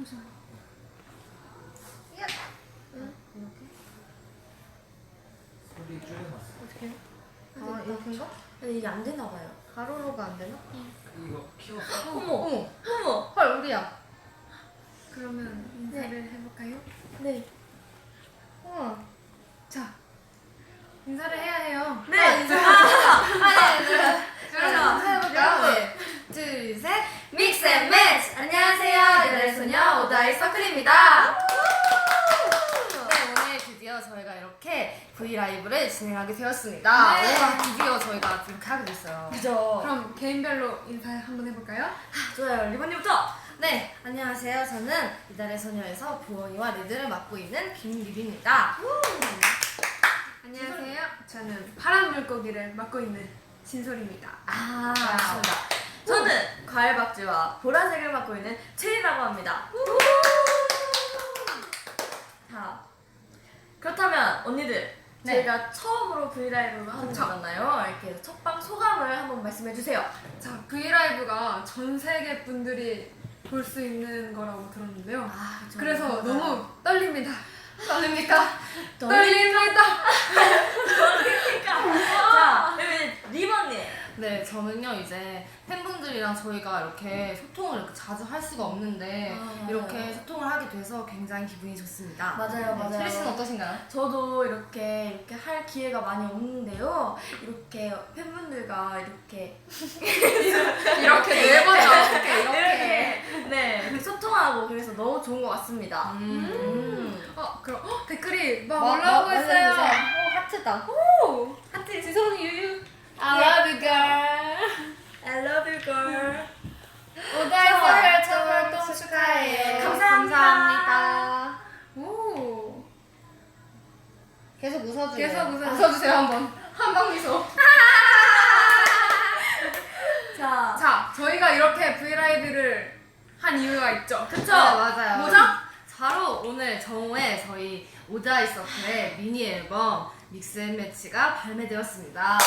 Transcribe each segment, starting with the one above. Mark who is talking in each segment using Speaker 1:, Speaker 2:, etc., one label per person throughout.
Speaker 1: 잠시만. 응?
Speaker 2: 이렇게?
Speaker 3: 소리 줄여놨어.
Speaker 2: 어떻게 해요?
Speaker 1: 아, 이렇게인가?
Speaker 2: 근데 이게 안 되나 봐요.
Speaker 1: 가로로가 안 되나?
Speaker 3: 이거 키워.
Speaker 2: 어머! 어머!
Speaker 1: 헐, 우리야. 그러면 인사를 해볼까요?
Speaker 2: 네.
Speaker 1: 우와. 자, 인사를 해야 해요.
Speaker 2: 네!
Speaker 1: 아,
Speaker 2: 네,
Speaker 1: 그럼 해볼까요?
Speaker 2: 네. 둘, 셋! 믹스 앤 매치! 안녕하세요. 이달의 소녀 오다이 서클입니다. 네, 오늘 드디어 저희가 이렇게 브이라이브를 진행하게 되었습니다.
Speaker 1: 네.
Speaker 2: 와, 드디어 저희가 이렇게 하게 됐어요. 그죠?
Speaker 1: 그럼 개인별로 인사 한번 해볼까요?
Speaker 2: 좋아요. 리본님부터! 네, 안녕하세요. 저는 이달의 소녀에서 보원이와 리드를 맡고 있는 김리비입니다.
Speaker 1: 안녕하세요. 저는 파란 물고기를 맡고 있는 진솔입니다.
Speaker 2: 아, 맞습니다. 저는 과일박쥐와 보라색을 맡고 있는 체리라고 합니다. 자, 그렇다면 언니들,
Speaker 1: 네.
Speaker 2: 저희가 처음으로 브이라이브를 하는
Speaker 1: 그쵸.
Speaker 2: 거잖아요. 이렇게 첫방 소감을 한번 말씀해 주세요.
Speaker 1: 자, 브이라이브가 전 세계 분들이 볼 수 있는 거라고 들었는데요.
Speaker 2: 아,
Speaker 1: 그래서
Speaker 2: 맞아요.
Speaker 1: 너무 떨립니다.
Speaker 2: 떨립니까?
Speaker 1: 떨립니다.
Speaker 2: 자, 그러면 리본님.
Speaker 4: 네, 저는요 이제 팬분들이랑 저희가 이렇게 소통을 이렇게 자주 할 수가 없는데
Speaker 2: 아,
Speaker 4: 이렇게 소통을 하게 돼서 굉장히 기분이 좋습니다.
Speaker 2: 맞아요, 맞아요.
Speaker 4: 체리 씨는 어떠신가요?
Speaker 2: 저도 이렇게 할 기회가 많이 없는데요. 이렇게 팬분들과 이렇게
Speaker 1: 이렇게 네 번이나 어떻게
Speaker 2: 이렇게 네 이렇게 소통하고 그래서 너무 좋은 것 같습니다.
Speaker 1: 그럼 댓글이 막
Speaker 2: 뭐,
Speaker 1: 올라오고
Speaker 2: 뭐,
Speaker 1: 있어요.
Speaker 2: 알려주세요.
Speaker 4: 하트다.
Speaker 1: 오!
Speaker 2: 하트 지성이 유유.
Speaker 1: I love you, girl.
Speaker 2: I love you girl.
Speaker 1: 오다이
Speaker 2: 첫
Speaker 1: 활동 축하해요.
Speaker 2: 감사합니다.
Speaker 1: 오.
Speaker 4: 계속 웃어주세요.
Speaker 1: 계속 웃어주세요.
Speaker 4: 웃어주세요 한번. 한방 미소.
Speaker 1: 자, 저희가 이렇게 브이라이브를 한 이유가 있죠.
Speaker 2: 그쵸?
Speaker 4: 네, 맞아요.
Speaker 2: 뭐죠?
Speaker 4: 바로 오늘 정오에 저희 오다이 서클의 미니 앨범 믹스 앤 매치가 발매되었습니다.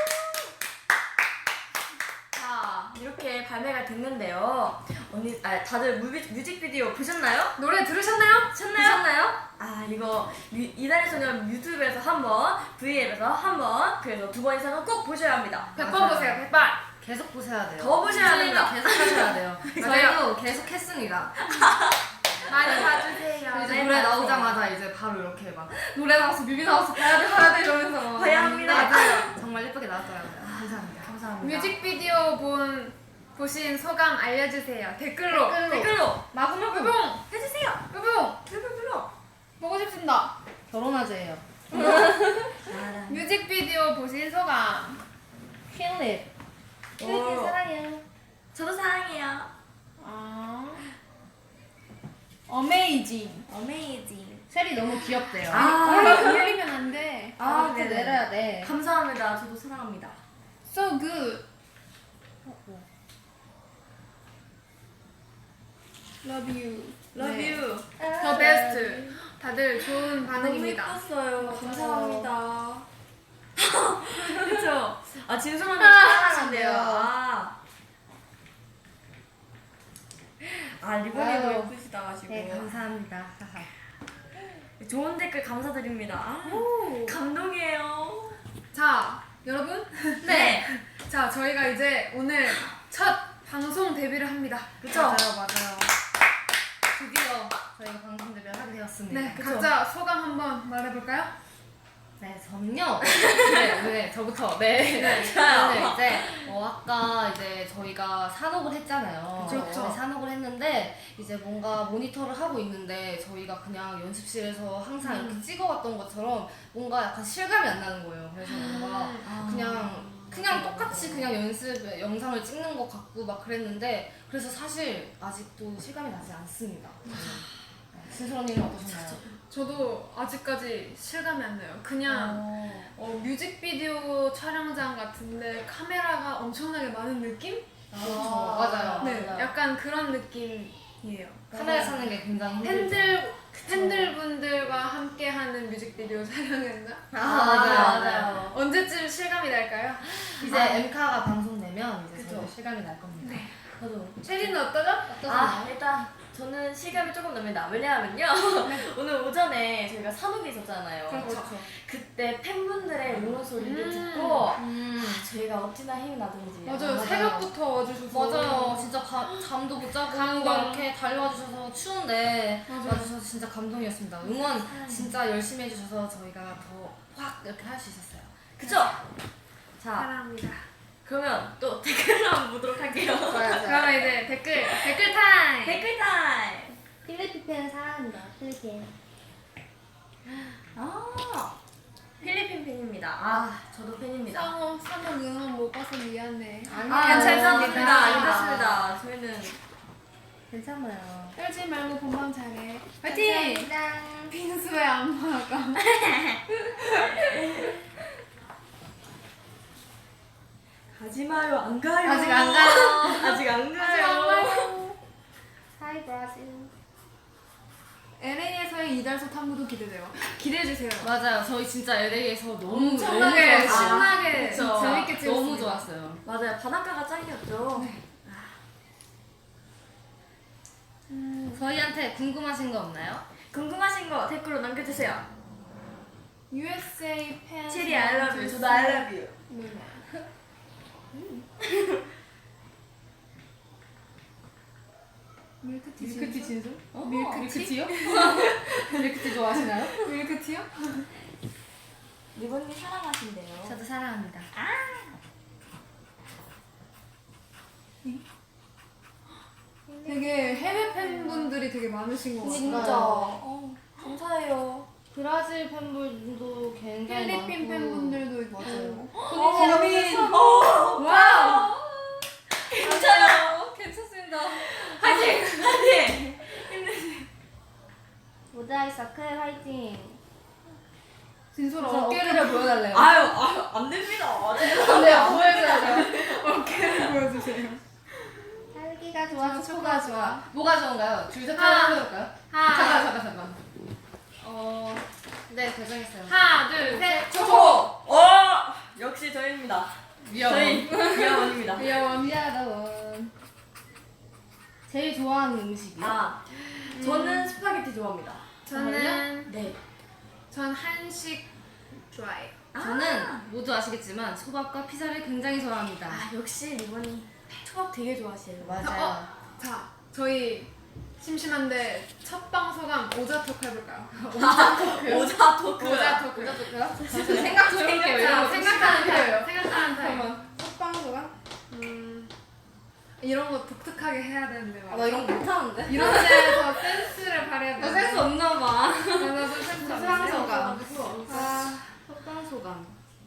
Speaker 2: 자 이렇게 발매가 됐는데요. 언니, 다들 뮤직비디오 보셨나요?
Speaker 1: 노래 들으셨나요?
Speaker 2: 보셨나요? 아 이거 이달의 소녀 유튜브에서 한번 V앱에서 한번 그래서 두 번 이상은 꼭 보셔야 합니다.
Speaker 1: 100번
Speaker 4: 맞아요.
Speaker 1: 보세요, 100번.
Speaker 4: 계속 보셔야 돼요.
Speaker 2: 더 보셔야 됩니다.
Speaker 4: 계속 하셔야 돼요.
Speaker 1: 맞아요.
Speaker 4: 저희도 계속 했습니다.
Speaker 1: 많이 봐주세요.
Speaker 4: 이제
Speaker 2: 네,
Speaker 4: 노래
Speaker 2: 맞아요.
Speaker 4: 나오자마자 이제 바로 이렇게 막 노래 나왔어, 뮤비 나왔어, 봐야 돼 이러면서 막
Speaker 2: 봐야 합니다.
Speaker 4: 맞아요. 정말 예쁘게 나왔더라고요. 감사합니다.
Speaker 2: 감사합니다.
Speaker 1: 뮤직비디오 보신 소감 알려주세요. 댓글로.
Speaker 2: 댓글로
Speaker 1: 마구마구. 뿅!
Speaker 2: 해주세요.
Speaker 1: 뿅!
Speaker 2: 댓글로.
Speaker 1: 보고 싶습니다.
Speaker 4: 결혼하재예요.
Speaker 1: 뮤직비디오 보신 소감.
Speaker 4: 퀸립.
Speaker 2: 오.
Speaker 4: 사랑해요.
Speaker 2: 저도 사랑해요.
Speaker 1: 어메이징.
Speaker 2: 어메이징.
Speaker 4: 셀이 너무 귀엽대요.
Speaker 1: 올리면 안 돼.
Speaker 4: 밑에 내려야 돼.
Speaker 2: 감사합니다. 저도 사랑합니다.
Speaker 1: So good. Love you.
Speaker 2: Love
Speaker 1: 네.
Speaker 2: you.
Speaker 1: The best. 다들 좋은
Speaker 2: 너무
Speaker 1: 반응입니다.
Speaker 2: 예뻤어요.
Speaker 1: 맞아요.
Speaker 2: 감사합니다. 그쵸? 아, 진솔한테
Speaker 1: 아,
Speaker 2: 사랑한대요. 리본이도
Speaker 4: 아유.
Speaker 2: 예쁘시다 가지고.
Speaker 4: 네, 감사합니다.
Speaker 2: 좋은 댓글 감사드립니다.
Speaker 1: 오.
Speaker 2: 감동이에요.
Speaker 1: 자, 여러분.
Speaker 2: 네.
Speaker 1: 자, 저희가 이제 오늘 첫 방송 데뷔를 합니다.
Speaker 2: 그쵸?
Speaker 4: 맞아요. 드디어 저희가 방송 데뷔를 하게 되었습니다.
Speaker 1: 네,
Speaker 2: 그쵸?
Speaker 1: 각자 소감 한번 말해볼까요?
Speaker 4: 네, 저는요. 네, 저부터. 네.
Speaker 2: 좋아요.
Speaker 4: 저는 이제 아까 이제 저희가 산옥을 했잖아요.
Speaker 2: 그쵸, 그쵸.
Speaker 4: 네, 산옥을 했는데 이제 뭔가 모니터를 하고 있는데 저희가 그냥 연습실에서 항상 이렇게 찍어왔던 것처럼 뭔가 약간 실감이 안 나는 거예요. 그래서 뭔가 그냥 똑같이 그냥 연습 영상을 찍는 것 같고 막 그랬는데 그래서 사실 아직도 실감이 나지 않습니다. 진솔 언니는 어떠셨나요?
Speaker 1: 저도 아직까지 실감이 안 나요. 그냥 뮤직비디오 촬영장 같은데 카메라가 엄청나게 많은 느낌?
Speaker 4: 맞아요.
Speaker 1: 네,
Speaker 4: 맞아요.
Speaker 1: 약간 그런 느낌이에요.
Speaker 4: 카메라 찾는 게 굉장히 힘들죠.
Speaker 1: 팬들분들과 함께하는 뮤직비디오 촬영했나?
Speaker 2: 맞아요.
Speaker 1: 언제쯤 실감이 날까요?
Speaker 4: 이제 엠카가 방송되면 이제
Speaker 2: 그쵸.
Speaker 4: 저희 실감이 날 겁니다.
Speaker 2: 저도.
Speaker 1: 체리는 어떠죠?
Speaker 2: 일단 저는 실감이 조금 납니다. 왜냐하면요. 오늘 오전에 저희가 산옥에 있었잖아요.
Speaker 4: 그렇죠.
Speaker 2: 그때 팬분들의 응원 소리를 듣고 저희가 어찌나 힘이 나든지.
Speaker 1: 맞아요.
Speaker 4: 맞아요.
Speaker 1: 새벽부터 와주셔서.
Speaker 4: 맞아요. 진짜 잠도 못 자고
Speaker 1: 감동.
Speaker 4: 이렇게 달려와 주셔서 추운데
Speaker 1: 맞아요.
Speaker 4: 와주셔서 진짜 감동이었습니다. 응원 진짜 열심히 해주셔서 저희가 더 확 이렇게 할 수 있었어요.
Speaker 2: 그쵸? 자,
Speaker 1: 사랑합니다.
Speaker 2: 그러면 또 댓글을 한번 보도록 할게요.
Speaker 1: 그러면 이제 댓글 타임.
Speaker 2: 댓글 타임!
Speaker 4: 필리핀 사랑합니다. 필리핀.
Speaker 2: 필리핀 팬입니다. 아, 저도 팬입니다.
Speaker 1: 상호 응원 못 봐서 미안해.
Speaker 2: 괜찮습니다. 괜찮습니다. 저희는
Speaker 4: 괜찮아요.
Speaker 1: 떨지 말고 본방 잘해. 화이팅!
Speaker 4: 감사합니다.
Speaker 1: 빈수의 안마가.
Speaker 2: 가지 마요. 안 가요.
Speaker 4: 아직 안 가요.
Speaker 2: 아직 안 가요.
Speaker 4: 하이 브라질.
Speaker 1: LA에서의 이달소 탐구도 기대돼요. 기대해주세요.
Speaker 4: 맞아요. 저희 진짜 LA에서 너무
Speaker 1: 엄청나게
Speaker 4: 좋았어요.
Speaker 1: 신나게
Speaker 2: 그쵸.
Speaker 1: 재밌게 찍었어요.
Speaker 4: 너무 좋았어요.
Speaker 2: 맞아요. 바닷가가 짱이었죠.
Speaker 4: 저희한테 궁금하신 거 없나요?
Speaker 2: 궁금하신 거 댓글로 남겨주세요.
Speaker 1: USA 팬.
Speaker 2: 체리 I love you. 저도 I love you.
Speaker 1: 누나. 밀크티
Speaker 4: 밀크티 진수?
Speaker 1: 밀크티요?
Speaker 4: 밀크티 좋아하시나요?
Speaker 1: 밀크티요?
Speaker 2: 리본님 사랑하신대요.
Speaker 4: 저도 사랑합니다.
Speaker 1: 되게 해외 팬분들이 되게 많으신 것 같아요.
Speaker 2: 진짜.
Speaker 4: 맞아요.
Speaker 2: 감사해요.
Speaker 4: 브라질 팬분도 굉장히
Speaker 1: 필리핀
Speaker 4: 많고.
Speaker 1: 팬분들도 맞아요.
Speaker 2: 고민.
Speaker 1: 와우!
Speaker 2: 괜찮아요.
Speaker 4: 괜찮습니다.
Speaker 2: 화이팅! 화이팅!
Speaker 4: 모자이 서클 화이팅.
Speaker 1: 진솔아
Speaker 4: 저
Speaker 1: 어깨를
Speaker 4: 어깨를 보여달래요.
Speaker 2: 아유, 안 됩니다.
Speaker 4: 네, 보여줘야 돼요.
Speaker 1: 어깨를 보여주세요.
Speaker 4: 살기가
Speaker 1: 좋아, 초가 좋아.
Speaker 4: 뭐가 좋은가요? 줄셋
Speaker 1: 하나.
Speaker 4: 하나 해볼까요? 잠깐. 네, 결정했어요.
Speaker 1: 하나, 둘, 셋.
Speaker 2: 초코! 역시 저희입니다. 저희 미아원입니다.
Speaker 4: 미안하원. 제일 좋아하는 음식이요?
Speaker 2: 아, 저는 스파게티 좋아합니다.
Speaker 1: 저는
Speaker 2: 네.
Speaker 1: 전 한식 좋아해요.
Speaker 4: 저는 모두 아시겠지만 초밥과 피자를 굉장히 좋아합니다.
Speaker 2: 아, 역시 리본이 초밥 되게 좋아하시네요.
Speaker 4: 맞아요.
Speaker 1: 자, 저희 심심한데 첫 방소감 오자 토크 해볼까요?
Speaker 2: 오자 토크.
Speaker 1: 오자 토크.
Speaker 4: 잠시 생각 좀 해볼게요. 이런 거
Speaker 1: 생각하는
Speaker 4: 필요해요.
Speaker 1: 타임. 생각하는 타임.
Speaker 4: 잠깐만. 첫 방송은?
Speaker 1: 이런 거 독특하게 해야 되는데
Speaker 4: 나 이런 거 못하는데?
Speaker 1: 이런 데서 센스를 발휘해야
Speaker 4: 나
Speaker 1: 돼.
Speaker 4: 센스 없나 봐.
Speaker 1: 나도 센스
Speaker 4: 첫
Speaker 1: 없어.
Speaker 4: 방소감.
Speaker 1: 아,
Speaker 4: 첫 방소감.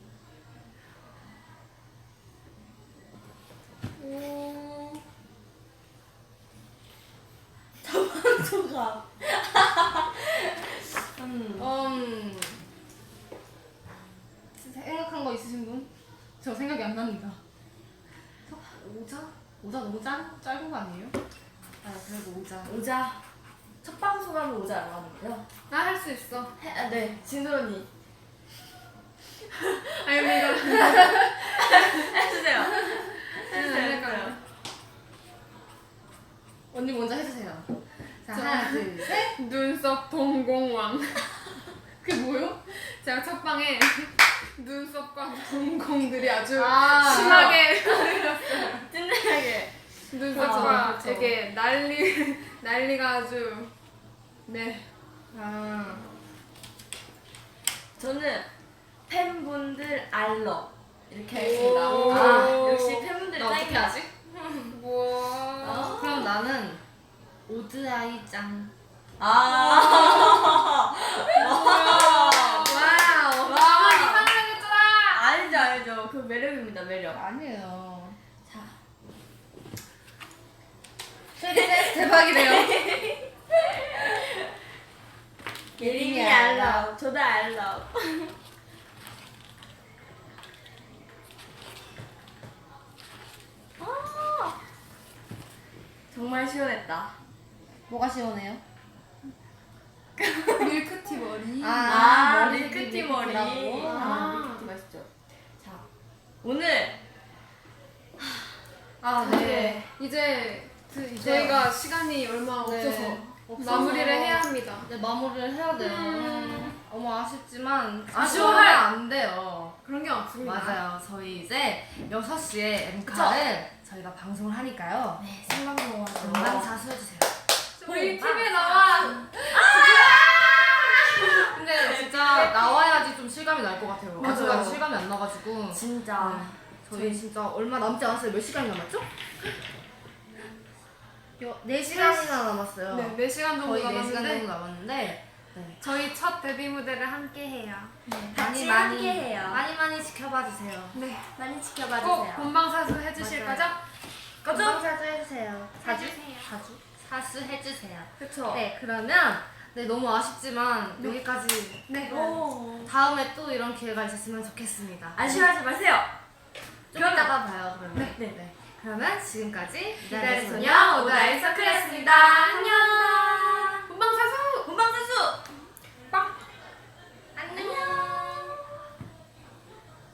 Speaker 2: 초밥.
Speaker 4: 생각한 거 있으신 분? 저 생각이 안 납니다.
Speaker 1: 오자?
Speaker 4: 오자 너무 짧은 거 아니에요? 아, 그래도 오자.
Speaker 2: 오자. 첫 방송하면 오자라고 하는데요.
Speaker 1: 나 할 수 있어.
Speaker 2: 네, 진솔 언니.
Speaker 1: 아니 근데 이거
Speaker 2: 해주세요.
Speaker 1: 해주세요.
Speaker 4: 언니 먼저 해주세요. 자, 하나, 둘, 셋.
Speaker 1: 눈썹 동공왕.
Speaker 4: 그게 뭐요?
Speaker 1: 제가 첫 방에 눈썹과 동공들이 아주
Speaker 4: 아.
Speaker 1: 심하게
Speaker 2: 찐득하게.
Speaker 1: 눈썹과
Speaker 4: 그렇죠.
Speaker 1: 이렇게 난리가 아주 네.
Speaker 4: 아,
Speaker 2: 저는 팬분들 알러 이렇게
Speaker 1: 오.
Speaker 2: 하겠습니다. 아, 역시 팬분들
Speaker 4: 나 어떻게
Speaker 2: 짱이다.
Speaker 4: 하지?
Speaker 1: 뭐
Speaker 4: 그럼 나는 오드아이 짱.
Speaker 2: 아.
Speaker 1: 와우. 나만 이상하겠더라.
Speaker 2: 알죠, 알죠. 그 매력입니다, 매력.
Speaker 4: 아니에요.
Speaker 2: 자,
Speaker 4: 쉐리댄스 대박이래요.
Speaker 2: 예림이 알러. 저도 알러. 아, 정말 시원했다.
Speaker 4: 뭐가 시원해요?
Speaker 1: 밀크티 머리.
Speaker 2: 아,
Speaker 4: 머리색이
Speaker 2: 밀크티 머리.
Speaker 4: 밀크티라고?
Speaker 2: 아, 밀크티 맛있죠. 자, 오늘
Speaker 4: 아, 네.
Speaker 1: 이제 저희가 시간이 얼마
Speaker 4: 네.
Speaker 1: 없어서 마무리를 해야 합니다.
Speaker 4: 이제 마무리를 해야 돼요. 너무 아쉽지만
Speaker 2: 아쉬워할-
Speaker 4: 아쉬워하면 안 돼요.
Speaker 1: 그런 게 없습니다.
Speaker 4: 맞아요. 저희 이제 6시에 엠카를 저희가 방송을 하니까요.
Speaker 2: 네, 생방송으로.
Speaker 4: 많이 자수해주세요.
Speaker 1: 우리 TV에 나와.
Speaker 4: 근데 진짜 나와야지 좀 실감이 날 것 같아요.
Speaker 2: 맞아요.
Speaker 4: 아직까지 실감이 안 나가지고.
Speaker 2: 진짜.
Speaker 4: 저희 진짜 얼마 남지 않았어요. 몇 시간이 남았죠? 4시간이나 남았어요.
Speaker 1: 네, 4시간 정도
Speaker 4: 거의 4시간 정도
Speaker 1: 남았는데
Speaker 4: 남았는데 네.
Speaker 1: 저희 첫 데뷔 무대를 함께 해요.
Speaker 2: 같이 함께해요.
Speaker 4: 많이 지켜봐 주세요.
Speaker 1: 네.
Speaker 2: 많이 지켜봐
Speaker 1: 꼭
Speaker 2: 주세요.
Speaker 1: 본방사수 해주실
Speaker 4: 맞아요.
Speaker 1: 거죠?
Speaker 4: 건강사수 해주세요.
Speaker 1: 해주세요.
Speaker 4: 사수 해주세요.
Speaker 2: 그쵸?
Speaker 4: 네, 그러면 네 너무 아쉽지만 여기까지.
Speaker 1: 네.
Speaker 2: 오.
Speaker 4: 다음에 또 이런 기회가 있었으면 좋겠습니다.
Speaker 2: 아쉬워하지 마세요.
Speaker 4: 좀 이따가 봐요. 그러면.
Speaker 2: 네.
Speaker 4: 그러면 지금까지
Speaker 2: 이달의 소녀 오다의 서클이었습니다. 안녕.